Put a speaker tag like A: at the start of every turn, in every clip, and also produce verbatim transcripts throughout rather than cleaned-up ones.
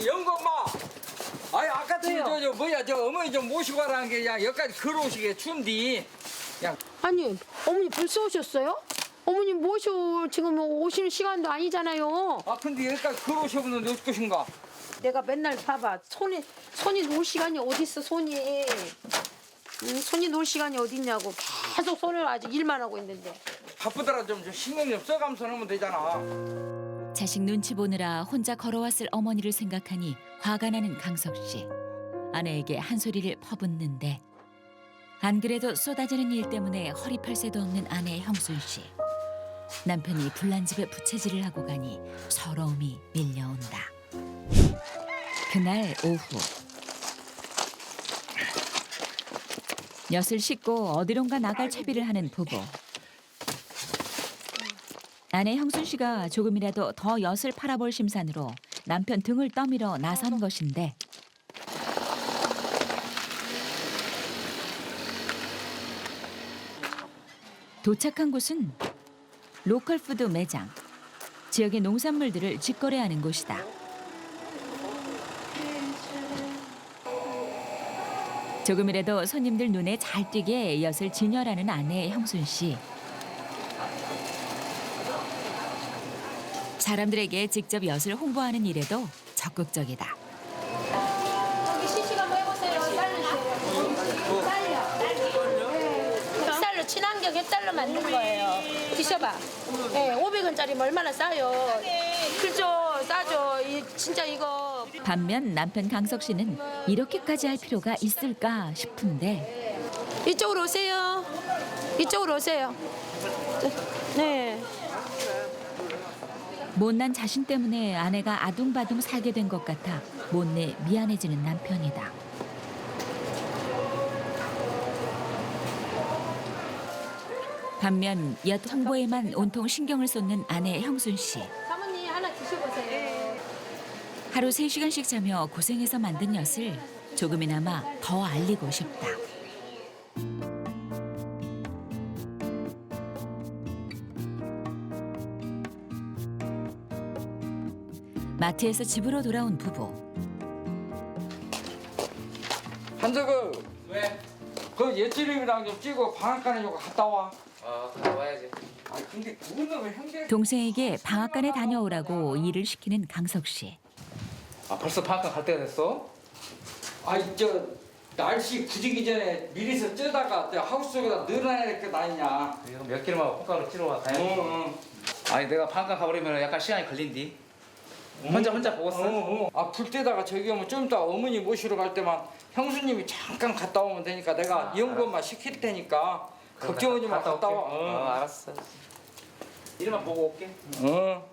A: 영검마. 아이 아까 저저 저, 뭐야 저 어머니 좀 모시고 가라는 게 그냥 여기까지 걸어오시게 준디. 그냥
B: 아니 어머니 벌써 오셨어요? 어머니 모셔 지금 오시는 시간도 아니잖아요.
A: 아 근데 여기까지 걸어오셔보는데 어쩔 것인가?
B: 내가 맨날 봐봐 손이 손이 놀 시간이 어디 있어 손이. 응, 손이 놀 시간이 어디 있냐고 계속 손을 아직 일만 하고 있는데.
A: 바쁘더라 좀, 좀 신경 좀 써가면서 하면 되잖아.
C: 자식 눈치 보느라 혼자 걸어왔을 어머니를 생각하니 화가 나는 강석 씨. 아내에게 한 소리를 퍼붓는데 안 그래도 쏟아지는 일 때문에 허리 펼 새도 없는 아내 형순 씨. 남편이 불난집에 부채질을 하고 가니 서러움이 밀려온다. 그날 오후 엿을 씻고 어디론가 나갈 채비를 하는 부부. 아내 형순 씨가 조금이라도 더 엿을 팔아볼 심산으로 남편 등을 떠밀어 나선 것인데 도착한 곳은 로컬 푸드 매장. 지역의 농산물들을 직거래하는 곳이다. 조금이라도 손님들 눈에 잘 띄게 엿을 진열하는 아내 형순 씨. 사람들에게 직접 엿을 홍보하는 일에도 적극적이다.
B: 여기 시식 한번 해보세요. 쌀로 쌀로. 쌀로 친환경 햇살로 만든 거예요. 드셔봐. 네, 오백 원짜리면 얼마나 싸요. 그죠, 싸죠. 이, 진짜 이거.
C: 반면 남편 강석 씨는 이렇게까지 할 필요가 있을까 싶은데
B: 이쪽으로 오세요. 이쪽으로 오세요. 네.
C: 못난 자신 때문에 아내가 아둥바둥 살게 된 것 같아 못내 미안해지는 남편이다. 반면 엿 홍보에만 온통 신경을 쏟는 아내 형순 씨.
B: 사모님 하나 드셔보세요.
C: 하루 세 시간씩 자며 고생해서 만든 엿을 조금이나마 더 알리고 싶다. 마트에서 집으로 돌아온 부부.
A: 한석은 왜? 그 옛지름이랑 좀 찍고 방앗간에 좀 갔다 와.
D: 어, 갔다 와야지.
A: 아 근데 그거는 왜 형제?
C: 동생에게 방앗간에 다녀오라고 일을 시키는 강석 씨.
D: 아, 벌써 방학간 갈 때가 됐어?
A: 아이 저 날씨 굳기 전에 미리서 쪄다가 저 하우스 속에다 늘어나야 게 다니냐.
D: 이거 몇 개만 콩가루 찌러 와 가야지.
A: 어, 어.
D: 아니, 내가 방학간 가버리면 약간 시간이 걸린디. 혼자 혼자 보고 있어.
A: 어, 어. 아, 불 때다가 저기 오면 좀 이따 어머니 모시러 갈 때만 형수님이 잠깐 갔다 오면 되니까 내가
D: 아,
A: 연구만 시킬 테니까 걱정하지 마. 갔다 와.
D: 올게. 어, 알았어. 이름만 보고 올게.
A: 어.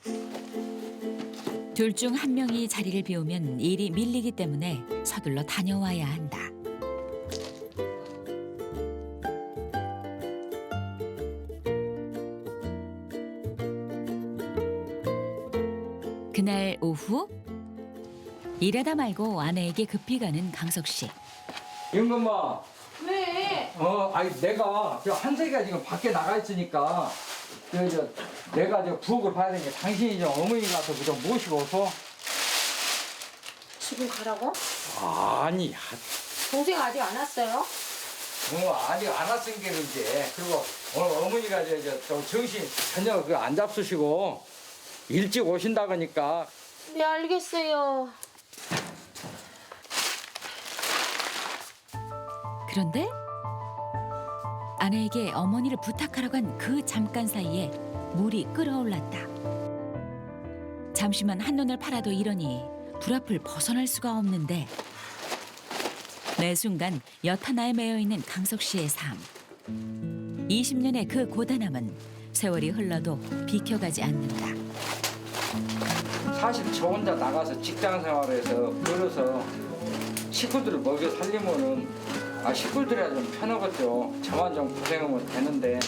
C: 둘 중 한 명이 자리를 비우면 일이 밀리기 때문에 서둘러 다녀와야 한다. 그날 오후 일하다 말고 아내에게 급히 가는 강석 씨.
A: 영건마.
B: 왜?
A: 어, 아니 내가 저 한세가 지금 밖에 나가 있으니까 저, 저 내가 저 부엌을 봐야 되니까 당신이 좀 어머니 가서 좀 모시고 오소.
B: 지금 가라고?
A: 아니,
B: 동생 아직 안 왔어요?
A: 어, 아직 안 왔은 게 이제 그리고 오늘 어머니가 저, 저, 저 정신 전혀 그 안 잡수시고 일찍 오신다 그러니까.
B: 네 알겠어요.
C: 그런데 아내에게 어머니를 부탁하러 간 그 잠깐 사이에 물이 끓어올랐다. 잠시만 한눈을 팔아도 이러니 불 앞을 벗어날 수가 없는데 매 순간 엿 하나에 매여있는 강석 씨의 삶. 이십 년의 그 고단함은 세월이 흘러도 비켜가지 않는다.
A: 사실 저 혼자 나가서 직장 생활해서 벌어서 식구들을 먹여 살리면은 아 식구들이야 좀 편하겠죠. 저만 좀 고생하면 되는데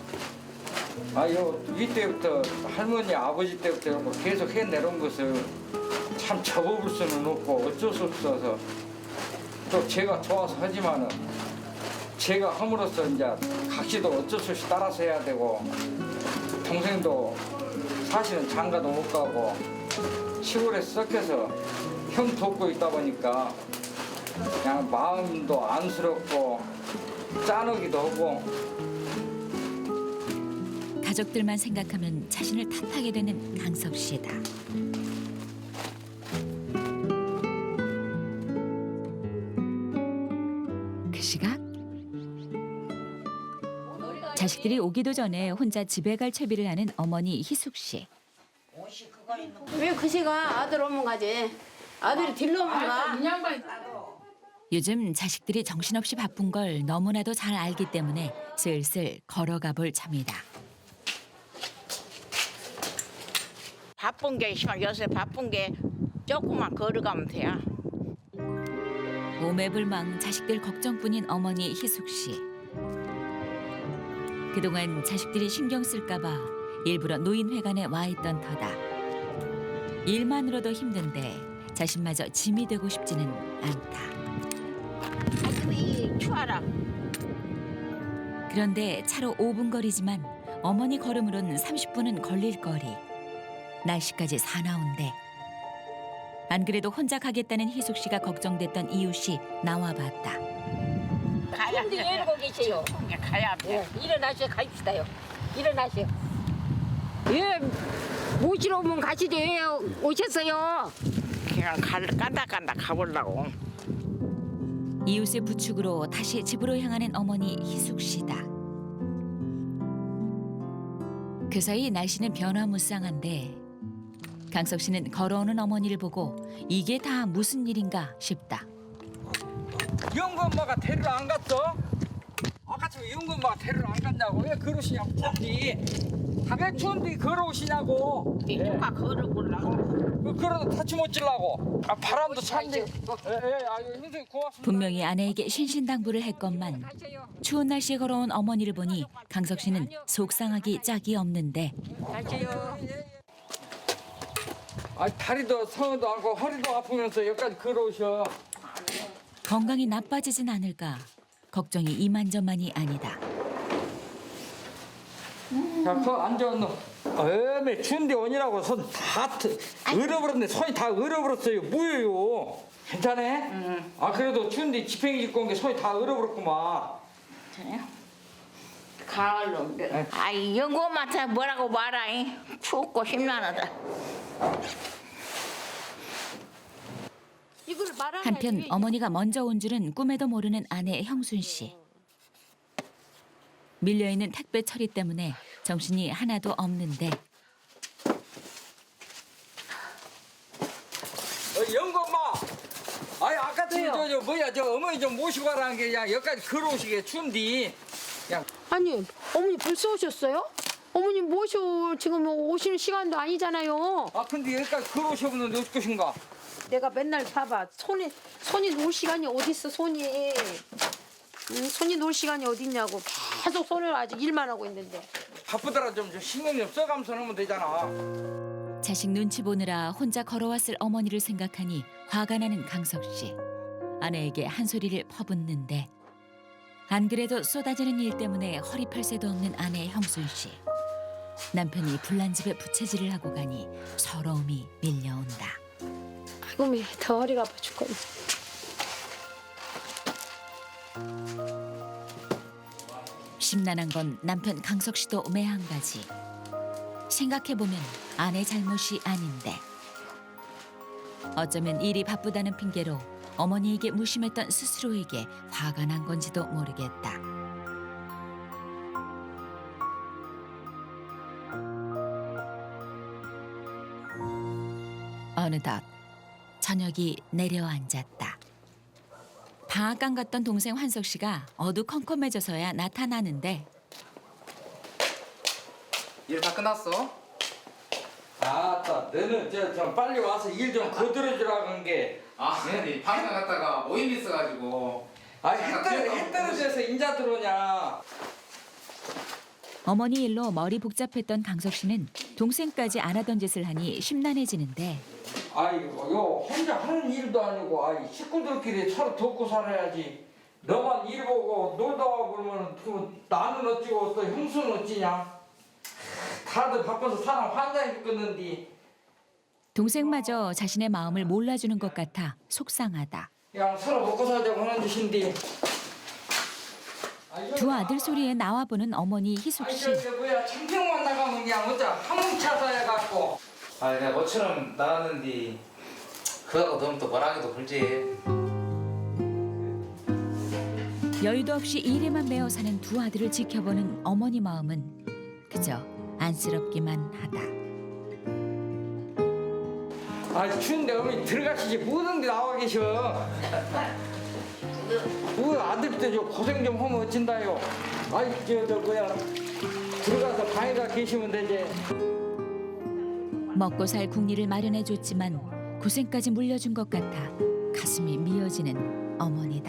A: 아요 이때부터 할머니 아버지 때부터 계속 해내려온 것을 참 접어볼 수는 없고 어쩔 수 없어서 또 제가 좋아서 하지만은 제가 함으로써 이제 각시도 어쩔 수 없이 따라서 해야 되고 동생도 사실은 장가도 못 가고 시골에 섞여서 형 돕고 있다 보니까 그냥 마음도 안쓰럽고 짠하기도 하고.
C: 가족들만 생각하면 자신을 탓하게 되는 강석 씨다. 그 시각 자식들이 오기도 전에 혼자 집에 갈 채비를 하는 어머니 희숙 씨.
B: 왜 그 시간 아들 오면 가지? 아들이 딜러 오면 가.
C: 요즘 자식들이 정신없이 바쁜 걸 너무나도 잘 알기 때문에 슬슬 걸어가 볼 참이다.
E: 바쁜 게 심한 요새 바쁜 게 조금만 걸어가면 돼요.
C: 오매불망 자식들 걱정뿐인 어머니 희숙 씨. 그동안 자식들이 신경 쓸까 봐 일부러 노인회관에 와 있던 터다. 일만으로도 힘든데 자신마저 짐이 되고 싶지는 않다.
E: 아이고 이 추워라.
C: 그런데 차로 오 분 거리지만 어머니 걸음으로는 삼십 분은 걸릴 거리. 날씨까지 사나운데. 안 그래도 혼자 가겠다는 희숙 씨가 걱정됐던 이웃이 나와봤다.
E: 가야
B: 근데 왜 이러고 계세요?
E: 가야 돼.
B: 일어나셔 가입시다요. 일어나셔. 예, 모시러 오면 가시지 왜 오셨어요?
E: 그냥 갈 깐다 깐다 가보려고.
C: 이웃의 부축으로 다시 집으로 향하는 어머니 희숙 씨다. 그 사이 날씨는 변화무쌍한데 강석 씨는 걸어오는 어머니를 보고 이게 다 무슨 일인가 싶다.
A: 영구 엄마가 데리러 안 갔어? 아까처럼 영구 엄마가 데리러 안 갔냐고. 왜 그러시냐고. 추운데 왜 추운데 걸어오시냐고.
E: 누가 걸어보려고.
A: 그 그러다 다치 못 질라고. 아 바람도 찬데. 예예. 아유 선생님 고맙습니다.
C: 분명히 아내에게 신신당부를 했건만 추운 날씨에 걸어온 어머니를 보니 강석 씨는 속상하기 짝이 없는데
A: 아 다리도 성도 않고 허리도 아프면서 여기까지 걸어오셔.
C: 건강이 나빠지진 않을까 걱정이 이만저만이 아니다.
A: 자, 거 앉아 너. 어메 추운데 오니라고 손 다 얼어버렸네. 손이 다 얼어버렸어요. 뭐예요? 괜찮아? 응. 아 그래도 추운데 지팽이 짚고 온 게 손이 다 얼어버렸구만.
E: 가을로. 아이 영고한테 뭐라고 말아. 춥고 심란하다.
B: 이걸 말하면
C: 한편 어머니가 먼저 온 줄은 꿈에도 모르는 아내 형순 씨. 밀려있는 택배 처리 때문에 정신이 하나도 없는데
A: 어, 영구 엄마. 아니 아까 저, 저 뭐야 저 어머니 좀 모시고 가라는 게 그냥 여기까지 걸어오시게 추운데. 그냥
B: 아니 어머니 벌써 오셨어요? 어머니 모셔 지금 오시는 시간도 아니잖아요.
A: 아 근데 여기까지 걸어오셔보는데 어쩔 것인가?
B: 내가 맨날 봐봐 손이 손이 놀 시간이 어디 있어 손이. 응, 손이 놀 시간이 어디 있냐고 계속 손을 아직 일만 하고 있는데.
A: 바쁘더라 좀 신경 좀 써가면서 하면 되잖아.
C: 자식 눈치 보느라 혼자 걸어왔을 어머니를 생각하니 화가 나는 강석 씨. 아내에게 한 소리를 퍼붓는데 안 그래도 쏟아지는 일 때문에 허리 펼 새도 없는 아내 형순 씨. 남편이 불난 집에 부채질을 하고 가니 서러움이 밀려온다.
B: 아이고 매, 더 허리가 아파 죽겠네.
C: 심란한 건 남편 강석 씨도 매한가지. 생각해보면 아내 잘못이 아닌데 어쩌면 일이 바쁘다는 핑계로 어머니에게 무심했던 스스로에게 화가 난 건지도 모르겠다. 어느덧 저녁이 내려앉았다. 방앗간 갔던 동생 환석 씨가 어두컴컴해져서야 나타나는데
D: 일 다 끝났어?
A: 아따 너는 저, 저 빨리 와서 일 좀 거들어주라고 한 게.
D: 아, 네. 방에 갔다가 모임 있어가지고.
A: 아해 떨어 해 떨어져서 인자 들어오냐.
C: 어머니 일로 머리 복잡했던 강석 씨는 동생까지 안 하던 짓을 하니 심란해지는데
A: 아이고 요 혼자 하는 일도 아니고 아이 식구들끼리 서로 돕고 살아야지. 너만 일 보고 놀다 와 그러면 그 나는 어찌고 또 형수는 어찌냐. 다들 바빠서 사람 환장이 죽겠는데
C: 동생마저 자신의 마음을 몰라주는 것 같아 속상하다.
A: 그냥 서로 먹고 살자고 하는 짓인데.
C: 두 아들 소리에 나와보는 어머니 희숙
A: 아이
C: 씨.
A: 저기 뭐야 청평만 나가면 그냥 어쩌 한뭉차서 해갖고.
D: 아 내가 너처럼 나갔는데 그거하고 너무 또 뭐라 하기도 그러지.
C: 여유도 없이 일에만 매어 사는 두 아들을 지켜보는 어머니 마음은 그저 안쓰럽기만 하다.
A: 아 추운데 어머니 들어가시지 뭐든지 나와 계셔. 그 아들도 저 고생 좀 하면 어쩐다요. 아이 저저 뭐야 들어가서 방에가 계시면 되지.
C: 먹고 살 국리를 마련해줬지만 고생까지 물려준 것 같아 가슴이 미어지는 어머니다.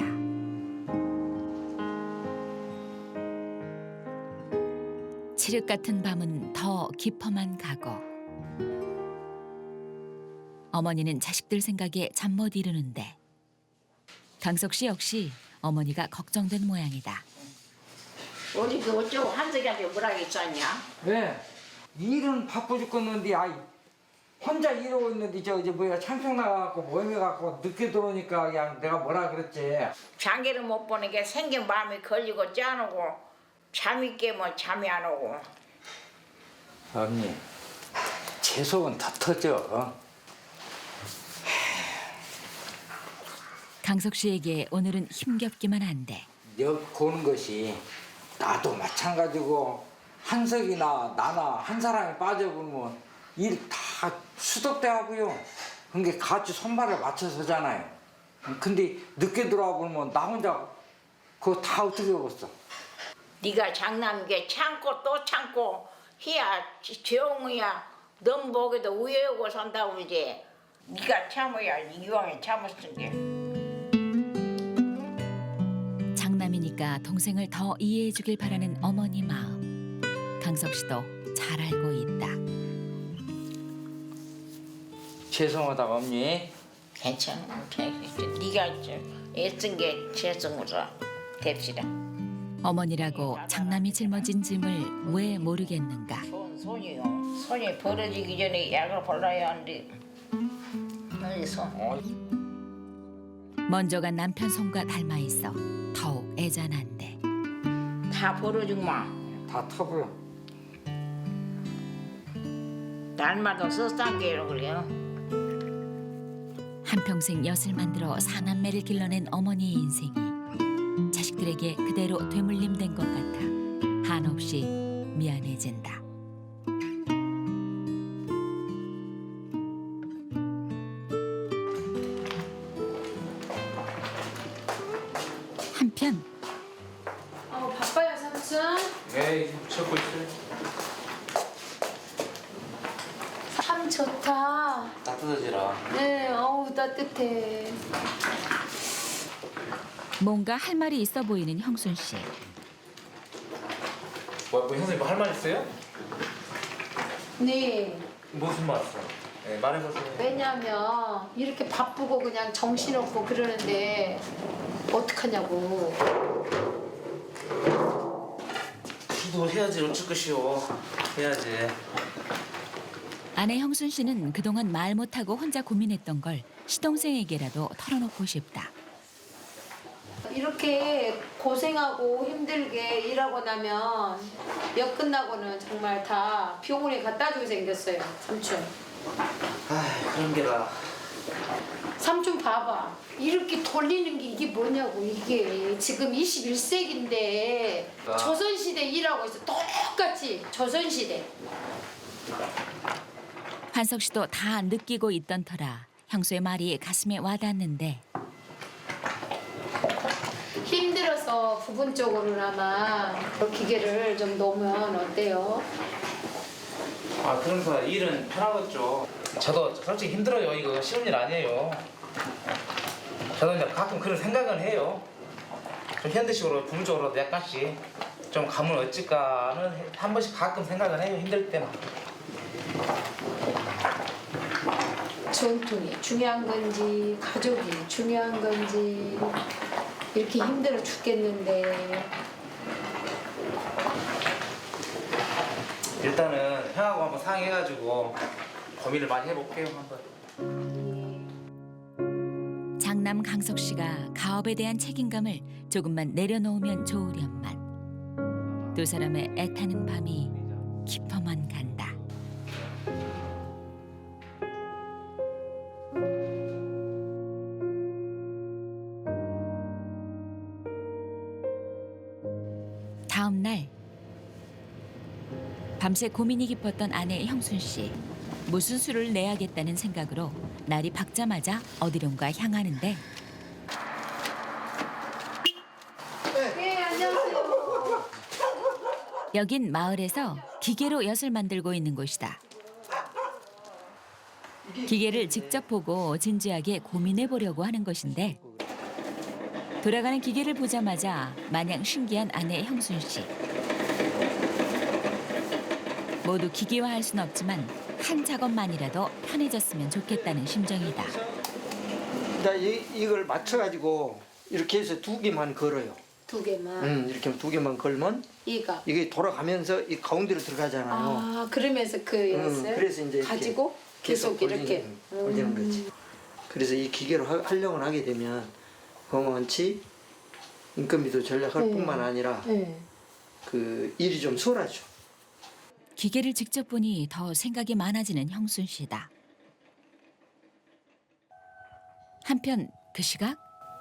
C: 칠흑 같은 밤은 더 깊어만 가고 어머니는 자식들 생각에 잠 못 이루는데 강석 씨 역시 어머니가 걱정된 모양이다.
E: 우리 그 어쩌고 한석이한테 뭐라 했었냐?
A: 왜? 일은 바빠 죽겠는데 아이 혼자 이러고 있는데 저 이제 뭐야 창평 나가갖고 모임해갖고 늦게 들어오니까 그냥 내가 뭐라 그랬지.
E: 장기를 못 보는 게 생긴 마음이 걸리고 짠하고 잠이 깨면 잠이 안 오고.
A: 언니 제 속은 다 터져. 어?
C: 강석 씨에게 오늘은 힘겹기만 한데
A: 역 고는 것이 나도 마찬가지고 한석이나 나나 한 사람이 빠져보면 일 다 수덕대 하고요. 그게 같이 손발을 맞춰서잖아요. 근데 늦게 들어와 보면 나 혼자 그거 다 어떻게 하겠어.
E: 네가 장남인 게 참고 또 참고 희야 조용이야 넌 보기도 우여고 산다고 이제 네가 참아야 이왕에 참았은 게.
C: 장남이니까 동생을 더 이해해주길 바라는 어머니 마음. 강석 씨도 잘 알고 있다.
A: 죄송하다 언니.
E: 괜찮아. 네가 좀 애쓴 게 죄송으로 됩시다.
C: 어머니라고 장남이 짊어진 짐을 왜 모르겠는가.
E: 손, 손이요. 손이 벌어지기 전에 약을 발라야 하는데 어디 손.
C: 먼저 간 남편 손과 닮아 있어 더욱 애잔한데
E: 다 벌어지구만.
A: 다 터부요.
E: 날마다 써싼 게로 그래요.
C: 한평생 엿을 만들어 사남매를 길러낸 어머니의 인생이 자식들에게 그대로 되물림된 것 같아 한없이 미안해진다. 한편
B: 어 바빠요 삼촌.
D: 에이 찾고 있어요.
B: 참 좋다.
D: 따뜻해지라.
B: 네, 어우 따뜻해.
C: 뭔가 할 말이 있어 보이는 형순 씨.
D: 뭐, 뭐 선생님 뭐 할 말 있어요?
B: 네.
D: 무슨 말 있어요? 네, 말해보세요.
B: 왜냐면 이렇게 바쁘고 그냥 정신없고 그러는데 어떡하냐고.
D: 기도 해야지 어쩔 것이오. 해야지.
C: 아내 형순 씨는 그동안 말 못하고 혼자 고민했던 걸 시동생에게라도 털어놓고 싶다.
B: 이렇게 고생하고 힘들게 일하고 나면 역 끝나고는 정말 다 병원에 갖다 주게 생겼어요 삼촌.
D: 아 그런 게라.
B: 삼촌 봐봐. 이렇게 돌리는 게 이게 뭐냐고. 이게 지금 이십일 세기인데
D: 아.
B: 조선시대 일하고 있어. 똑같이 조선시대.
C: 한석 씨도 다 느끼고 있던 터라 형수의 말이 가슴에 와닿는데
B: 힘들어서 부분적으로나마 기계를 좀 놓으면 어때요?
D: 아 그러면서 일은 편하겠죠. 저도 솔직히 힘들어요. 이거 쉬운 일 아니에요. 저도 이제 가끔 그런 생각은 해요. 좀 현대식으로 부부적으로도 약간씩 좀 가면 어쩔까는 한 번씩 가끔 생각은 해요. 힘들 때는.
B: 전통이 중요한 건지 가족이 중요한 건지 이렇게 힘들어 죽겠는데
D: 일단은 형하고 한번 상의해가지고 고민을 많이 해볼게요 한번.
C: 장남 강석 씨가 가업에 대한 책임감을 조금만 내려놓으면 좋으련만 두 사람의 애타는 밤이 깊어만 간다. 다음 날 밤새 고민이 깊었던 아내 형순 씨. 무슨 수를 내야겠다는 생각으로 날이 밝자마자 어디론가 향하는데
B: 네, 안녕하세요.
C: 여긴 마을에서 기계로 엿을 만들고 있는 곳이다. 기계를 직접 보고 진지하게 고민해 보려고 하는 것인데 돌아가는 기계를 보자마자 마냥 신기한 아내 형순 씨. 모두 기계화할 순 없지만 한 작업만이라도 편해졌으면 좋겠다는 심정이다.
F: 나 이, 이걸 맞춰가지고 이렇게 해서 두 개만 걸어요.
B: 두 개만.
F: 음, 이렇게 두 개만 걸면
B: 이가.
F: 이게 돌아가면서 이 가운데로 들어가잖아요.
B: 아, 그러면서 그
F: 음,
B: 엿을
F: 그래서 이제 이렇게
B: 가지고 계속 이렇게.
F: 돌리는, 돌리는 거지. 그래서 이 기계로 하, 활용을 하게 되면 그만치 인건비도 절약할
B: 네.
F: 뿐만 아니라
B: 네.
F: 그 일이 좀 수월하죠.
C: 기계를 직접 보니 더 생각이 많아지는 형순 씨다. 한편 그 시각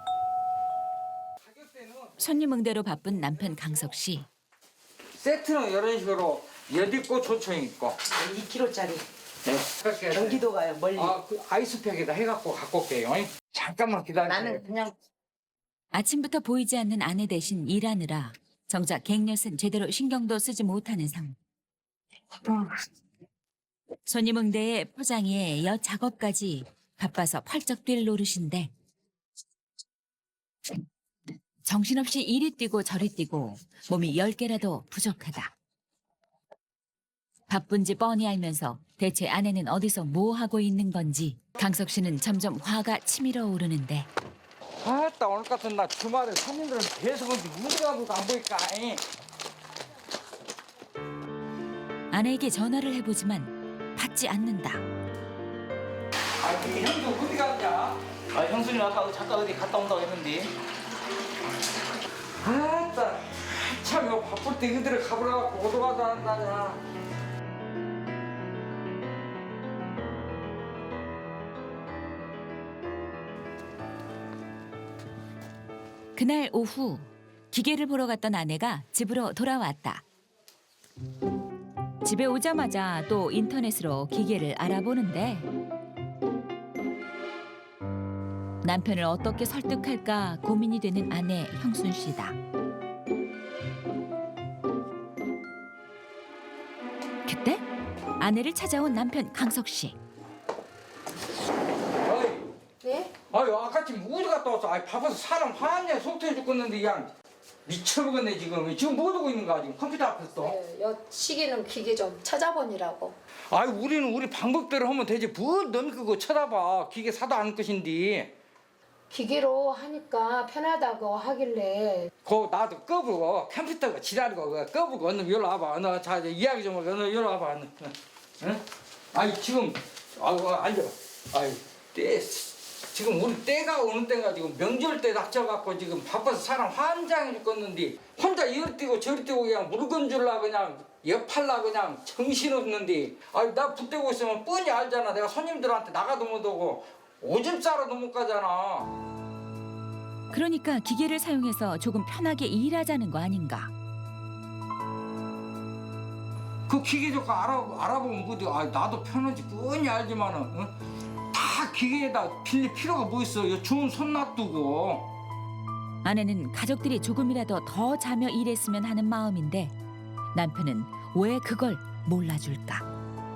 C: 손님 응대로 바쁜 남편 강석 씨.
A: 세트는 이런 식으로 엿 있고 조청 있고.
G: 이 킬로짜리
A: 네. 그렇게
G: 경기도 가요 멀리.
A: 아, 그 아이스팩에다 해갖고 갖고 올게요. 잠깐만 기다려.
E: 나는 그냥
C: 아침부터 보이지 않는 아내 대신 일하느라 정작 갱엿은 제대로 신경도 쓰지 못하는 상황. 손님 응대에 포장에 엿 작업까지 바빠서 펄쩍 뛸 노릇인데 정신없이 이리 뛰고 저리 뛰고 몸이 열 개라도 부족하다. 바쁜지 뻔히 알면서 대체 아내는 어디서 뭐 하고 있는 건지 강석 씨는 점점 화가 치밀어 오르는데
A: 아따 오늘 같은 날 주말에 손님들은 계속 오는데 누가 누가 안 보일까? 이.
C: 아내에게 전화를 해보지만 받지 않는다.
A: 아, 그 형도 어디 갔냐?
D: 아 형수님 아까 잠깐 어디 갔다 온다고 했는데.
A: 아따 참 이거 바쁠 때 그들을 가보라고 오도 가도 한다냐.
C: 그날 오후 기계를 보러 갔던 아내가 집으로 돌아왔다. 집에 오자마자 또 인터넷으로 기계를 알아보는데 남편을 어떻게 설득할까 고민이 되는 아내 형순 씨다. 그때 아내를 찾아온 남편 강석 씨.
A: 어이,
B: 네?
A: 아유 아까쯤 어디 갔다 왔어? 아이 바빠서 사람 화났냐 속터해 죽겠는데 그냥 미쳐버렸네 지금. 지금 뭐 하고 있는 거야 지금 컴퓨터 앞에서?
B: 네, 엿 시기는 기계 좀 찾아보니라고.
A: 아이 우리는 우리 방법대로 하면 되지 뭘넌 그거 쳐다봐. 기계 사도 않을 것인데.
B: 기계로 하니까 편하다고 하길래
A: 그 나도 꺼보고 컴퓨터가 지랄이고 그거 꺼보고 얼른 여기 와봐. 너 자 이야기 좀 하고 얼른 여기 와봐. 얼른. 응? 아이 지금 아이고 앉아. 아이 때 지금 우리 때가 오는 때가 지금 명절 때 닥쳐갖고 지금 바빠서 사람 환장해 죽겠는데 혼자 이리 뛰고 저리 뛰고 그냥 물건 줄라 그냥 옆팔라 그냥 정신없는데 아이 나 붙대고 있으면 뻔히 알잖아. 내가 손님들한테 나가도 못 오고 오줌 싸러도 못 가잖아.
C: 그러니까 기계를 사용해서 조금 편하게 일하자는 거 아닌가.
A: 그 기계 좋고 알아, 알아보면 뭐지. 아 나도 편한지 뻔히 알지만은 응? 다 기계에다 빌릴 필요가 뭐 있어. 요 좋은 손 놔두고.
C: 아내는 가족들이 조금이라도 더 자며 일했으면 하는 마음인데 남편은 왜 그걸 몰라줄까.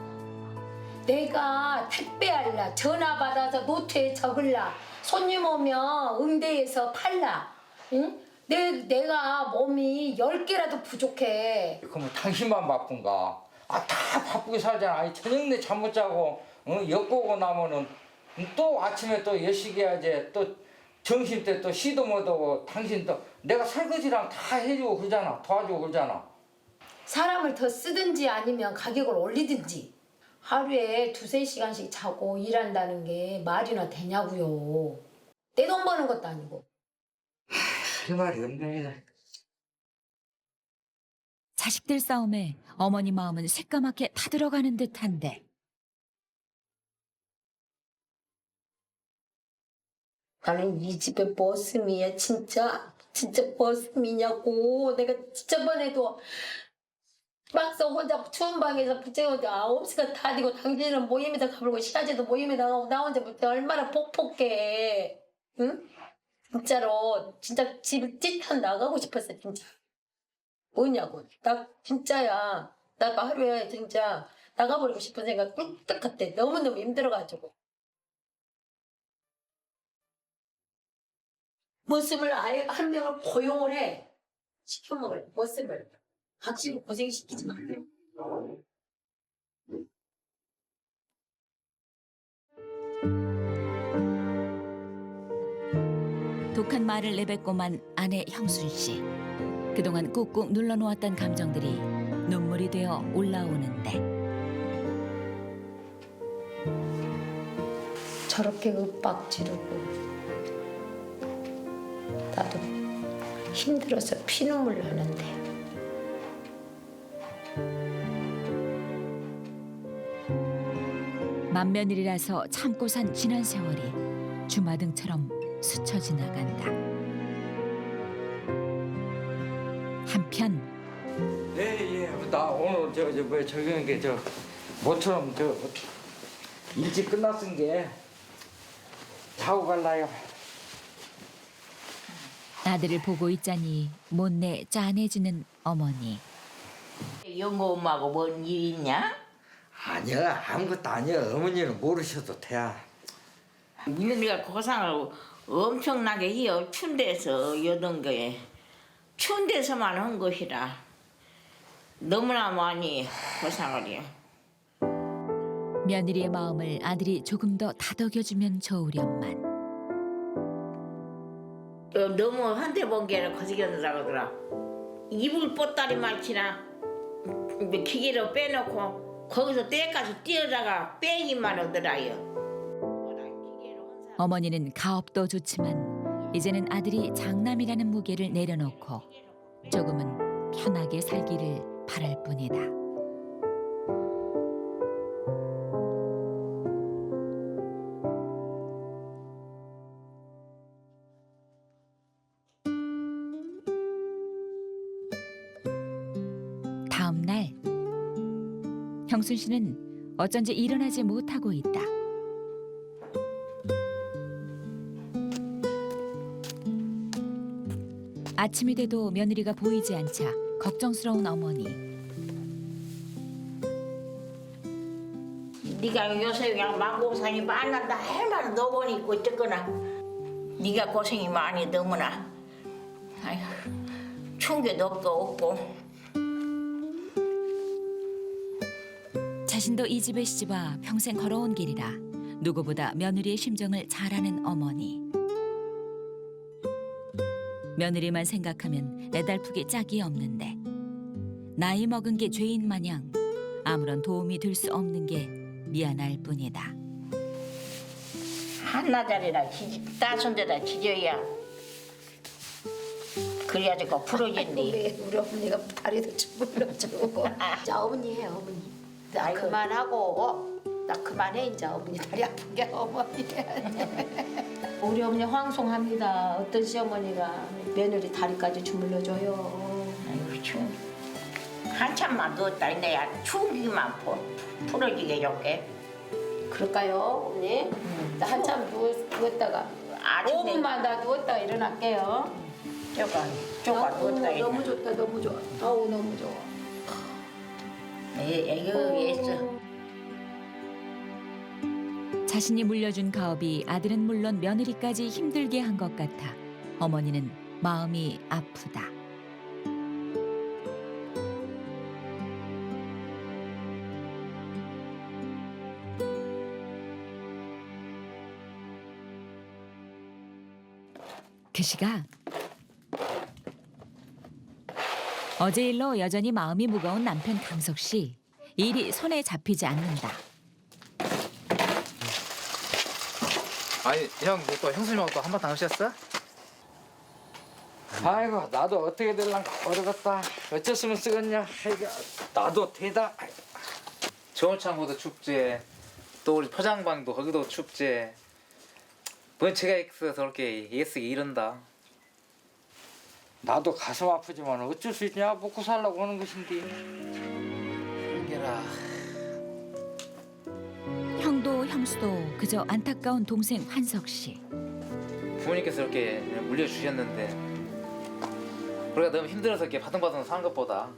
B: 내가 택배할라, 전화 받아서 노트에 적을라, 손님 오면 응대해서 팔라. 응? 내, 내가 몸이 열 개라도 부족해.
A: 그러면 당신만 바쁜가? 아 다 바쁘게 살잖아. 아니 저녁 내 잠 못 자고 응? 엮고 나면은 또 아침에 또 열심히 해야지. 또 점심 때 또 시도 못 하고 당신 또 내가 설거지랑 다 해주고 그러잖아. 도와주고 그러잖아.
B: 사람을 더 쓰든지 아니면 가격을 올리든지. 하루에 두세 시간씩 자고 일한다는 게 말이나 되냐고요. 내 돈 버는 것도 아니고.
A: 할 말이 없네.
C: 자식들 싸움에 어머니 마음은 새까맣게 타들어가는 듯한데
B: 나는 이 집의 버스미야 진짜. 진짜 버스미냐고. 내가 저번에도 막상 혼자 추운 방에서 부채고 아홉 시간 다 되고 당신은 모임에다 가불고 시아제도 모임에 나가고 나 혼자 볼 때 얼마나 폭폭해. 응? 진짜로 진짜 집 찢어 나가고 싶었어 진짜. 뭐냐고. 나 진짜야. 나 하루에 진짜 나가버리고 싶은 생각 꿀떡 같아. 너무너무 힘들어가지고. 머슴을 아예 한 명을 고용을 해. 시켜먹을 머슴을. 확실히 고생시키지 마.
C: 독한 말을 내뱉고만 아내 형순 씨. 그동안 꾹꾹 눌러놓았던 감정들이 눈물이 되어 올라오는데
B: 저렇게 윽박 지르고 나도 힘들어서 피눈물 나는데
C: 맏며느리라서 참고 산 지난 세월이 주마등처럼 스쳐 지나간다. 한편
A: 예, 예. 나 오늘 저, 저, 뭐, 저기, 한 게, 저, 모처럼, 저, 일찍 끝났은 게, 자고 갈라요.
C: 아들을 보고 있자니 못내 짠해지는 어머니.
E: 영호 엄마하고 뭔 일 있냐?
A: 아니야, 아무것도 아니야. 어머니는 모르셔도 돼.
E: 민우이가 고상을 엄청나게 해요. 추운 데서 여던 게 추운 데서만 한 것이라 너무나 많이 고상을 해요.
C: 며느리의 마음을 아들이 조금 더 다독여주면 좋으련만
E: 어, 너무 한대 번개를 거시기한다고 하더라. 이불 보따리 말치나 기계로 빼놓고 거기서 때까지 뛰어다가 빼기만 하더라요.
C: 어머니는 가업도 좋지만 이제는 아들이 장남이라는 무게를 내려놓고 조금은 편하게 살기를 바랄 뿐이다. 다음 날 형순 씨는 어쩐지 일어나지 못하고 있다. 아침이 돼도 며느리가 보이지 않자 걱정스러운 어머니.
E: 네가 요새 그냥 망고상이 만난다 할만 너번 있고 어쨌거나 네가 고생이 많이 너무나 아휴 추운 게 덥도 없고
C: 자신도 이 집에 시집와 평생 걸어온 길이라 누구보다 며느리의 심정을 잘 아는 어머니. 며느리만 생각하면 애달프기 짝이 없는데 나이 먹은 게 죄인 마냥 아무런 도움이 될 수 없는 게 미안할 뿐이다.
E: 한나자리나 따순 데다 지져야 그래야지 그 풀어진디.
B: 왜 우리 어머니가 다리도 주물러주고. 자 어머니 해 어머니. 나
E: 아이고.
B: 그만하고 나 그만해 이제 어머니 다리 아픈 게 어머니. 우리 어머니 황송합니다. 어떤 시어머니가 며느리 다리까지 주물러줘요.
E: 아이고 추운 한참만 누웠다 내야 추운 기만 풀어지게 해줄게.
B: 그럴까요 어머니? 나 한참 누워, 누웠다가
E: 아주
B: 오 분만 다 누웠다가 일어날게요.
E: 쪼가 쪼가
B: 너무,
E: 누웠다
B: 너무
E: 이제.
B: 좋다 너무 좋아. 아우 너무 좋아.
E: 애교 애써.
C: 자신이 물려준 가업이 아들은 물론 며느리까지 힘들게 한 것 같아 어머니는 마음이 아프다. 그 시각 어제 일로 여전히 마음이 무거운 남편 강석 씨. 일이 손에 잡히지 않는다.
D: 아니 형 또 형수님하고 또 한바탕 하셨어?
A: 아이고 나도 어떻게 될란가 모르겠다. 어쩌으면 쓰겠냐. 아이고 나도 되다.
D: 좋은 창고도 축제, 또 우리 포장방도 거기도 축제. 번체가 있어서 그렇게 예쓰기 이런다.
A: 나도 가슴 아프지만 어쩔 수 있냐. 먹고 살라고 하는 것인데.
D: 이게라.
C: 형도 형수도 그저 안타까운 동생 환석 씨.
D: 부모님께서 이렇게 물려주셨는데 우리가 너무 힘들어서 이렇게 바둥바둥 사는 것보다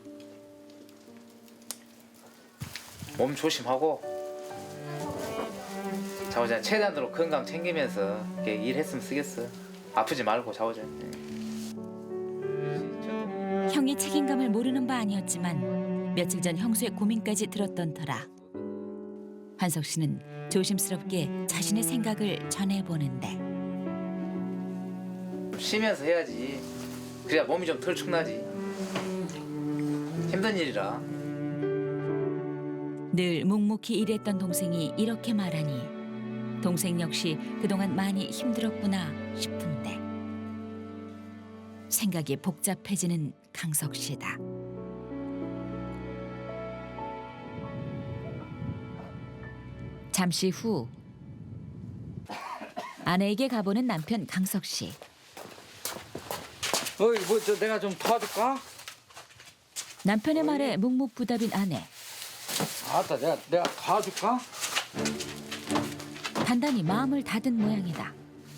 D: 몸 조심하고 자오자 최대한으로 건강 챙기면서 이렇게 일했으면 쓰겠어. 아프지 말고 자오자.
C: 형이 책임감을 모르는 바 아니었지만 며칠 전 형수의 고민까지 들었던 터라 환석 씨는 조심스럽게 자신의 생각을 전해보는데
D: 쉬면서 해야지. 그래야 몸이 좀 덜 축나지. 힘든 일이라.
C: 늘 묵묵히 일했던 동생이 이렇게 말하니 동생 역시 그동안 많이 힘들었구나 싶은데 생각이 복잡해지는 강석 씨다. 잠시 후 아내에게 가보는 남편 강석 씨.
A: 어이 뭐 저 내가 좀 도와줄까?
C: 남편의 말에 묵묵부답인 아내.
A: 아따 내가 내가 도와줄까?
C: 단단히 마음을 닫은 모양이다.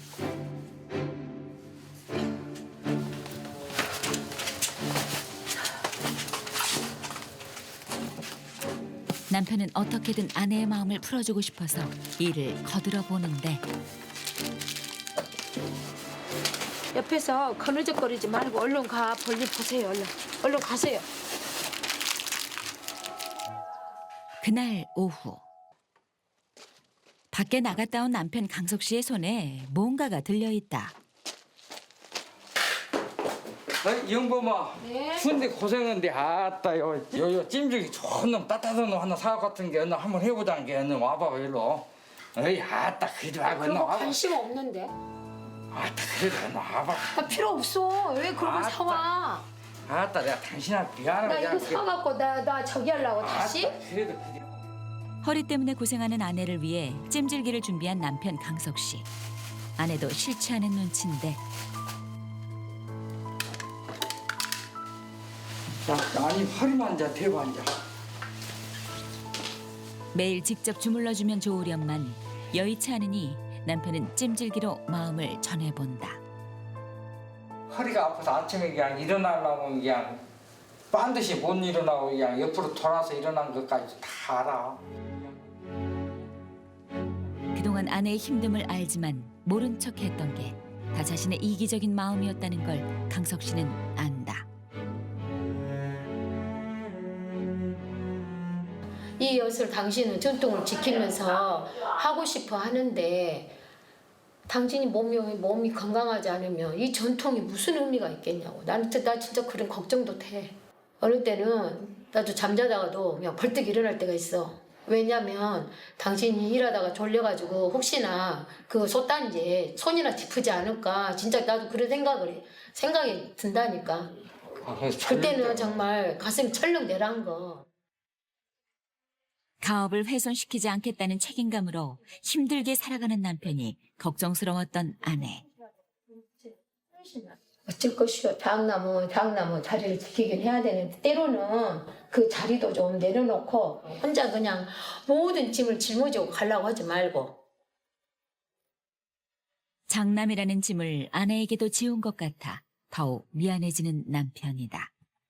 C: 남편은 어떻게든 아내의 마음을 풀어주고 싶어서 일을 거들어 보는데
B: 옆에서 거느적거리지 말고 얼른 가. 볼일 보세요. 얼른. 얼른 가세요.
C: 그날 오후 밖에 나갔다 온 남편 강석 씨의 손에 뭔가가 들려있다.
A: 어이 영범아.
B: 네.
A: 추운데 고생한데 아따 요 요요 찜질기 좋은 놈 따뜻한 놈 하나 사 같은 게 얼른 한번 해보자는 게 얼른 와봐 일로. 어이 아따 그래도 와봐 얼른
B: 그런 거
A: 와봐.
B: 관심 없는데.
A: 아따 그래도 얼른 와봐.
B: 나 필요 없어. 왜 그런 걸
A: 아따.
B: 사와?
A: 아따 내가 당신한테 미안하고
B: 나 이거 사갖고 나, 나 저기 하려고 다시?
A: 아따, 그래도 그게
C: 허리 때문에 고생하는 아내를 위해 찜질기를 준비한 남편 강석 씨. 아내도 싫지 않은 눈치인데
A: 자, 아니 허리만 자 대고 앉아.
C: 매일 직접 주물러주면 좋으련만 여의치 않으니 남편은 찜질기로 마음을 전해본다.
A: 허리가 아파서 아침에 그냥 일어나려면 그냥 반드시 못 일어나고 그냥 옆으로 돌아서 일어난 것까지 다 알아.
C: 그동안 아내의 힘듦을 알지만 모른 척했던 게 다 자신의 이기적인 마음이었다는 걸 강석 씨는 안다.
B: 이 엿을 당신은 전통을 지키면서 하고 싶어 하는데 당신이 몸이, 몸이 건강하지 않으면 이 전통이 무슨 의미가 있겠냐고. 나는 나 진짜 그런 걱정도 돼. 어느 때는 나도 잠자다가도 그냥 벌떡 일어날 때가 있어. 왜냐면 당신이 일하다가 졸려가지고 혹시나 그 솥단지에 손이나 짚지 않을까. 진짜 나도 그런 생각을 해. 생각이 든다니까.
A: 아, 그래서
B: 그때는 정말 가슴이 철렁 내려앉은 거.
C: 가업을 훼손시키지 않겠다는 책임감으로 힘들게 살아가는 남편이 걱정스러웠던 아내.
B: 어쩔 것이요. 대학나무, 대학나무 자리를 지키긴 해야 되는데 때로는 그 자리도 좀 내려놓고 혼자 그냥 모든 짐을 짊어지고 가려고 하지 말고.
C: 장남이라는 짐을 아내에게도 지운 것 같아 더욱 미안해지는 남편이다.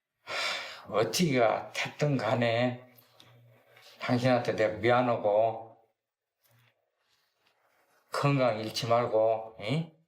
A: 어찌가 됐든 간에 당신한테 내가 미안하고 건강 잃지 말고 응?